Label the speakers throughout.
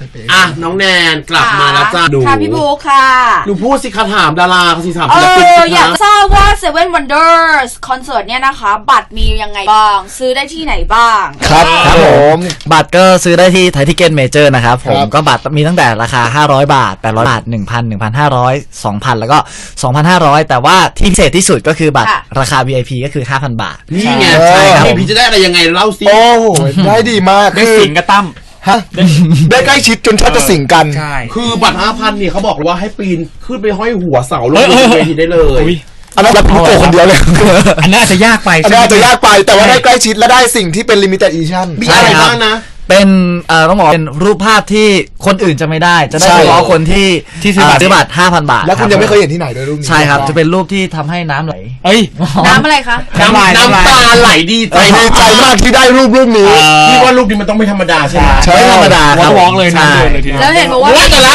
Speaker 1: น้องแนนกลับมาแล้วจ้าดู
Speaker 2: ค่ะพี่บุ๊คค่ะ
Speaker 1: หนูพูดสิคาถามดาราสิถาม
Speaker 2: ศิ
Speaker 1: ลปิน
Speaker 2: อยากทราบว่า Seven Wonders คอนเสิร์ตเนี่ยนะคะบัตรมียังไงบ้างซื้อได้ที่ไหนบ้าง
Speaker 3: ครับผม
Speaker 4: บัตรก็ซื้อได้ที่ไทยทิเก็ตเมเจอร์นะครับผมก็บัตรมีตั้งแต่ราคา500 บาท800 บาท 1,000 1,500 2,000 แล้วก็ 2,500 แต่ว่าที่พิเศษที่สุดก็คือบัตรราคา VIP ก็คือ 5,000 บาท
Speaker 1: นี่ไงใช่ครับพี่จะได้อะไรยังไงเล่าสิ
Speaker 3: โอ้โหได้ดีมาก
Speaker 5: ได้สิงกับตั้ม
Speaker 3: ฮะได้ใกล้ชิดจนแทบจะสิงกัน
Speaker 1: ใช่คือบัตร 5,000 เนี่ยเขาบอกว่าให้ปีนขึ้นไปห้อยหัวเสาลงเวทีได้เลย
Speaker 3: อันนั้นรับผู้โกคนเดียวเลย
Speaker 5: อันนั้นอาจจะยากไป
Speaker 3: แต่ว่าได้ใกล้ชิดและได้สิ่งที่เป็น limited edition
Speaker 1: มีอะไรบ้างนะ
Speaker 4: เป็นต้องบอกเป็นรูปภาพที่คนอื่นจะไม่ได้จะได้เฉพาะคนที่ซื้อบัตร 5,000 บาท
Speaker 3: แล้วคุณยังไม่เคยเห็นที่ไหนด้วยรูปนี้
Speaker 4: ใช่ครับจะเป็นรูปที่ทำให้น้ำไหล
Speaker 2: น้ำอะไรคะ
Speaker 1: น้ำตาไหลดีใจ
Speaker 3: มากที่ได้รูปนี้
Speaker 1: พี่ว่ารูปนี้มันต้องไม่ธรรมดาใช่ไหม
Speaker 4: ไม่ธรรมดาครับ
Speaker 5: ร้องเลยนะ
Speaker 2: แล้วเห็นบอกว่า
Speaker 1: แต่ละ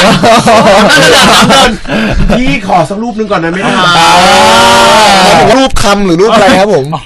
Speaker 1: พี่ขอสักรูปนึงก่อนนะไม่ได้
Speaker 3: รูปคำหรือรูปอะไรครับผม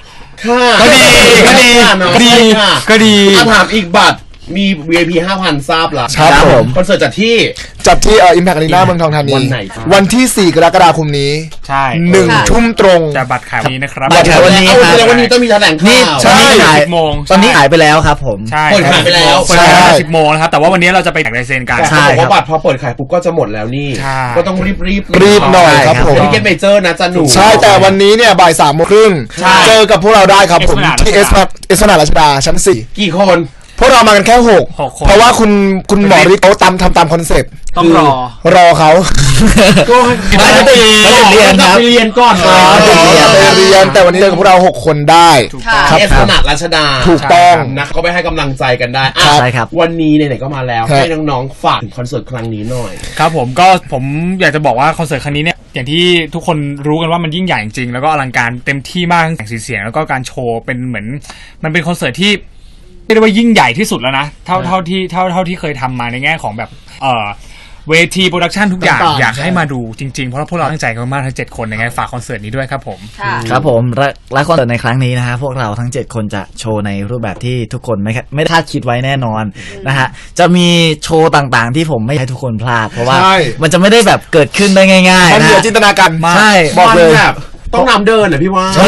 Speaker 1: ก็ดีถามอีกบัตรมี VIP 5,000 ทราบละ
Speaker 3: ครับผม
Speaker 1: คอนเสิร์ตจัดที่
Speaker 3: Impact Arena เมืองทองธานี
Speaker 1: วันไหน
Speaker 3: วันที่4 กรกฎาคมนี้
Speaker 5: ใช่
Speaker 3: 1 ทุ่มตรง
Speaker 5: จะบัตรขายวันนี้นะครับ
Speaker 4: บัตรขายวันนี้
Speaker 1: ครับวันนี้ต้องมีแถลงข่าว
Speaker 4: ใช่10 โมงตอนนี้ขายไปแล้วครับผม
Speaker 5: ใช่
Speaker 1: เปิดขายไปแล้ว
Speaker 5: เปิดขาย10 โมงนะครับแต่ว่าวันนี้เราจะไปแจกลายเซ็นกัน
Speaker 1: ใช่เพราะบัตรพอเปิดขายปุ๊บก็จะหมดแล้วนี่ก็ต้องรีบ
Speaker 3: หน่อยครับผม
Speaker 1: ที่เก็ตเมเจอร์นะจันหนู
Speaker 3: ใช่แต่วันนี้เนี่ยบ่าย 3 โมงครึ่งเจอกับพวกเราได้ครับผมที่เอสนาราชดาชั้น4
Speaker 1: กี่คน
Speaker 3: พวกเรามากันแค่6เพราะว่าคุณหมอฤทธิ์เขาทำตามคอนเซ็ปต์
Speaker 5: ต้อง
Speaker 3: รอเขา
Speaker 1: ก็
Speaker 4: ไปเรียนครับ
Speaker 1: ไปเรียนก่อน
Speaker 3: ไปเรียนแต่วันนี้เจอกับพวกเรา6 คนได้
Speaker 1: ครับเอสนาราชดา
Speaker 3: ถูกต้อง
Speaker 1: นะเขาไปให้กำลังใจกันได้
Speaker 4: ใช่ครับ
Speaker 1: วันนี้ไหนๆก็มาแล้วให้น้องๆฝากถึงคอนเสิร์ตครั้งนี้หน่อย
Speaker 5: ครับผมอยากจะบอกว่าคอนเสิร์ตครั้งนี้เนี่ยอย่างที่ทุกคนรู้กันว่ามันยิ่งใหญ่จริงแล้วก็อลังการเต็มที่มากทั้งแสงสีเสียงแล้วก็การโชว์เป็นเหมือนมันเป็นคอนเสิร์ตที่เรียกว่ายิ่งใหญ่ที่สุดแล้วนะเท่าที่เคยทำมาในแง่ของแบบเวทีโปรดักชันทุกอย่างอยากให้มาดูจริงๆเพราะพวกเราตั้งใจกันมากทั้ง7 คนยังไงฝากคอนเสิร์ตนี้ด้วยครับผม
Speaker 4: ครับผมและคอนเสิร์ตในครั้งนี้นะฮะพวกเราทั้ง7 คนจะโชว์ในรูปแบบที่ทุกคนไม่คาดคิดไว้แน่นอนนะฮะจะมีโชว์ต่างๆที่ผมไม่ให้ทุกคนพลาดเพราะว่ามันจะไม่ได้แบบเกิดขึ้นได้ง่ายๆนะ
Speaker 3: มันเหนือจินตนาการ
Speaker 4: ใช่
Speaker 1: บอกเลยต้องนำเดินอ่ะพี่ว่า
Speaker 4: ใช่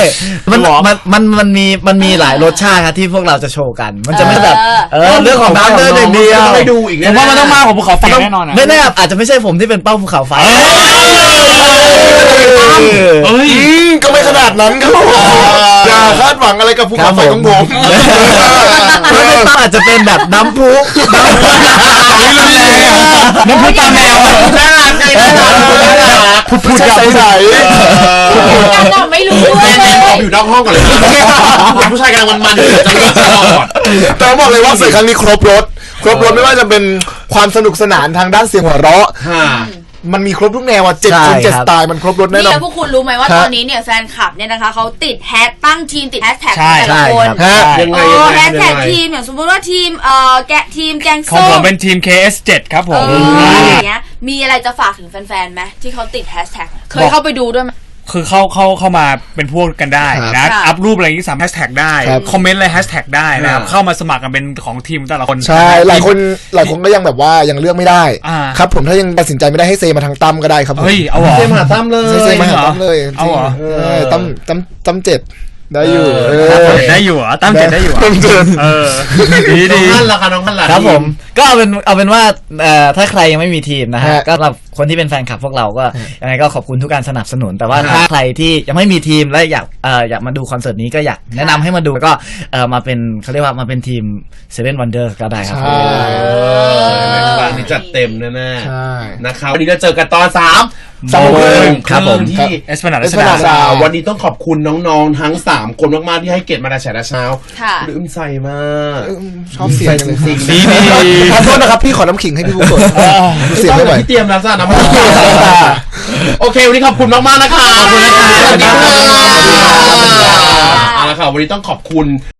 Speaker 4: มันมีหลายรสชาติครับที่พวกเราจะโชว์กันมันจะไม่แบบเรื่องของน้ำเดินอย่างเดียว
Speaker 1: ไปดูอีก
Speaker 5: ผมว่ามันต้องมากกว่าภูเขาไฟแน่นอน
Speaker 4: ไม่แน่อาจจะไม่ใช่ผมที่เป็นเป้าภูเขาไฟ
Speaker 3: ก็ไม่ขนาดนั้นครับอย่าคาดหวังอะไรกับภูเขาไฟของผม
Speaker 4: อาจจะเป็นแบบน้ำพุ
Speaker 5: ตาแมว
Speaker 1: น่ารัก
Speaker 3: พูดใส
Speaker 2: ไม่รู้ด้วย
Speaker 1: อยู่นอกห้องก่อนเลยผู้ชายกำลังมันอยู่จะเลิกจะรอด
Speaker 3: แต่บอกเลยว่าเสิร์ตครั้งนี้ครบรถไม่ว่าจะเป็นความสนุกสนานทางด้านเสียงหัวเราะมันมีครบทุกแนว7 คน7 สไตล์มันครบรถแน่นอน
Speaker 2: แล้วพวกคุณรู้ไหมว่าตอนนี้เนี่ยแฟนคลับเนี่ยนะคะเขาติดแฮชตั้งทีมติดแฮชแท็กแต่ละคน
Speaker 1: ยังไง
Speaker 2: แฮชแท็กทีมอย่างสมมติว่าทีมแกงส้ม
Speaker 5: ของผมเป็นทีม KS7 ครับผม
Speaker 2: อย่างเงี้ยมีอะไรจะฝากถึงแฟนๆไหมที่เขาติดแฮชแท็กเคยเข้าไปดูด้วยไหม
Speaker 5: คือเข้ามาเป็นพวกกันได้นะอัพรูปอะไรอย่างนี้สามารถแฮชแท็กได้คอมเมนต์อะไรแฮชแท็กได้นะครับเข้ามาสมัครกันเป็นของทีมแต่ละคน
Speaker 3: ใช่หลายคนก็ยังแบบว่ายังเลือกไม่ได้ครับผมถ้ายังตัดสินใจไม่ได้ให้เซมาทางตั้มก็ได้ครับผม
Speaker 5: เฮ้ยเอาเหรอ
Speaker 1: เซมาตั้มเลย
Speaker 3: เซมาตั้มเลย
Speaker 5: เอาเหรอ
Speaker 3: ตั้ม7ได้อยู่
Speaker 5: ได้อยู่อ่ะตั้ม7ได้อยู่
Speaker 1: ดีน้องละค่ะน้องละ
Speaker 4: ครับผมก็เอาเป็นว่าถ้าใครยังไม่มีทีมนะฮะก็สำหรับคนที่เป็นแฟนคลับพวกเราก็ยังไงก็ขอบคุณทุกการสนับสนุนแต่ว่าถ้าใครที่ยังไม่มีทีมและอยากมาดูคอนเสิร์ตนี้ก็อยากแนะนำให้มาดูแล้วก็มาเป็นเขาเรียกว่ามาเป็นทีม Seven Wonders ก็ได้ครับ
Speaker 1: นี่จัดเต็มแน่ๆนะครับวันนี้เราเจอกันตอน3 โมง
Speaker 4: ครับผม
Speaker 1: ที่
Speaker 5: เอสพนา
Speaker 1: ดาวันนี้ต้องขอบคุณน้องๆทั้ง3 คนมากๆที่ให้เกียรติมาแฉเช้าลืมใส่มาก
Speaker 3: ชอบเสียงจริงๆขอโทษนะครับพี่ขอน้ำขิงให้พี่บุ๊กกด
Speaker 1: เสียงไม่ไหวที่เตรียมแล้วจ้าน้ำโอเควันนี้ขอบคุณมากๆนะคะขอบคุณนะคะสวัสดีค่ะเอาละค่ะวันนี้ต้องขอบคุณ